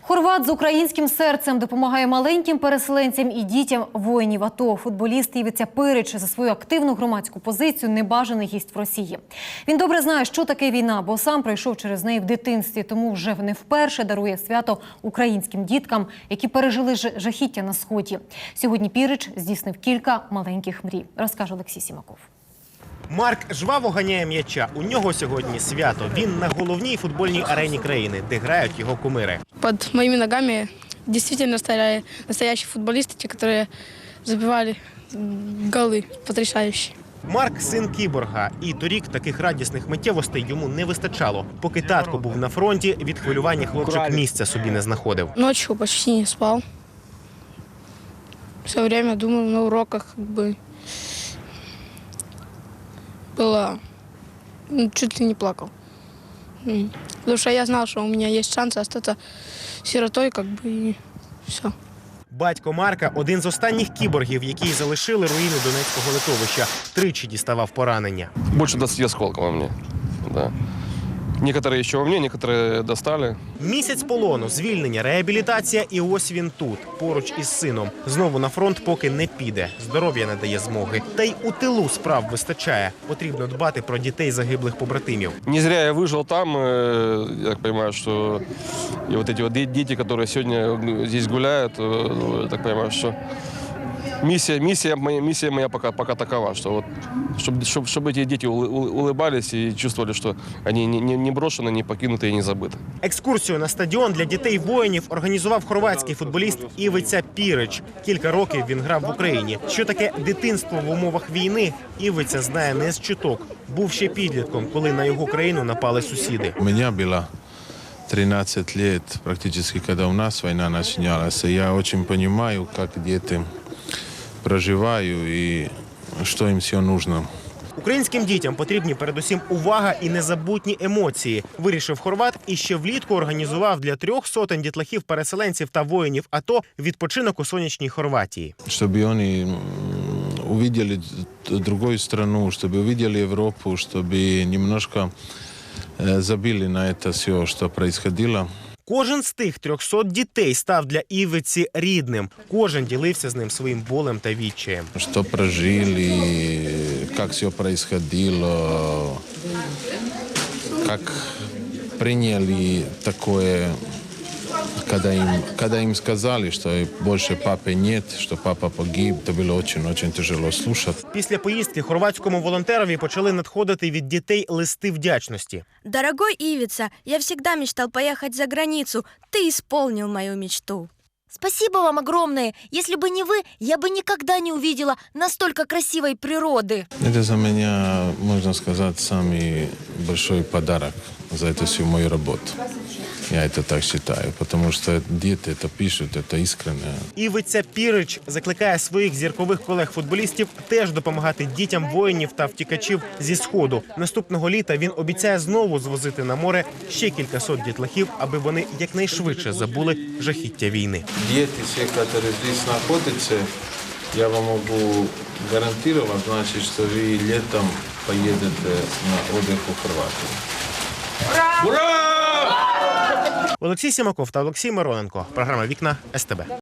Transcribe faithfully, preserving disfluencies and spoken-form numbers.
Хорват з українським серцем допомагає маленьким переселенцям і дітям воїнів АТО. Футболіст Івиця Пирич за свою активну громадську позицію небажаний гість в Росії. Він добре знає, що таке війна, бо сам пройшов через неї в дитинстві, тому вже не вперше дарує свято українським діткам, які пережили жахіття на Сході. Сьогодні Пирич здійснив кілька маленьких мрій, розкаже Олексій Сімаков. Марк жваво ганяє м'яча. У нього сьогодні свято. Він на головній футбольній арені країни, де грають його кумири. Під моїми ногами дійсно стояли настоящі футболісти, ті, які забивали голи потрясаючі. Марк – син кіборга. І торік таких радісних миттєвостей йому не вистачало. Поки татко був на фронті, від хвилювання хлопчик місця собі не знаходив. Ночью почти не спав. Все время думав на уроках, якби... Было, ну, чуть ли не плакал. Потому что я знал, что у меня есть шанс остаться сиротой, как бы, и все. Батько Марка – один з останніх кіборгів, які залишили руїни Донецького литовища. Тричі діставав поранення. Більше двадцати осколків у мене, да. Некоторые ще у мене, некоторые достали. Місяць полону, звільнення, реабілітація і ось він тут, поруч із сином. Знову на фронт поки не піде, здоров'я не дає змоги. Та й у тилу справ вистачає. Потрібно дбати про дітей загиблих побратимів. Не зря я вижив там, я так розумію, що і от ці діти, які сьогодні тут гуляють, я так розумію, що Миссия, миссия, моя, миссия моя пока, пока такова, что вот, чтобы, чтобы, чтобы эти дети улыбались и чувствовали, что они не, не, не брошены, не покинуты и не забыты. Екскурсію на стадіон для дітей-воїнів організував хорватський футболіст Івиця Пирич. Кілька років він грав в Україні. Що таке дитинство в умовах війни, Івиця знає не з чуток. Був ще підлітком, коли на його країну напали сусіди. У мене було тринадцать лет, практически, когда у нас война начиналась. Я очень понимаю, как дети проживаю і що їм все нужно. Українським дітям потрібні передусім увага і незабутні емоції. Вирішив хорват і ще влітку організував для трьох сотень дітлахів-переселенців та воїнів АТО відпочинок у сонячній Хорватії. Щоб вони побачили другу країну, щоб побачили Європу, щоб немножко забили на це все, що відбувалося. Кожен з тих трьохсот дітей став для Івиці рідним. Кожен ділився з ним своїм болем та відчаєм. Що прожили, як все відбувалося, як прийняли таке, коли їм, коли їм сказали, що більше папи немає, що папа погиб, це було дуже-дуже тяжело слухати. Після поїздки хорватському волонтерові почали надходити від дітей листи вдячності. Дорогой Ивица, я всегда мечтал поехать за границу. Ты исполнил мою мечту. Спасибо вам огромное. Если бы не вы, я бы никогда не увидела настолько красивой природы. Это за меня, можно сказать, самый большой подарок за эту всю мою работу. Я это так считаю, потому что дети это пишут, это искренне. Івиця Пирич закликає своїх зіркових колег-футболістів теж допомагати дітям воїнів та втікачів зі Сходу. Наступного літа він обіцяє знову звозити на море ще кількасот дітлахів, аби вони якнайшвидше забули жахіття війни. Дети, все, которые здесь находятся, я вам могу гарантировать, значит, что вы летом поедете на отдых в Хорватию. Олексій Сімаков та Олексій Мироненко. Програма «Вікна» ес те бе.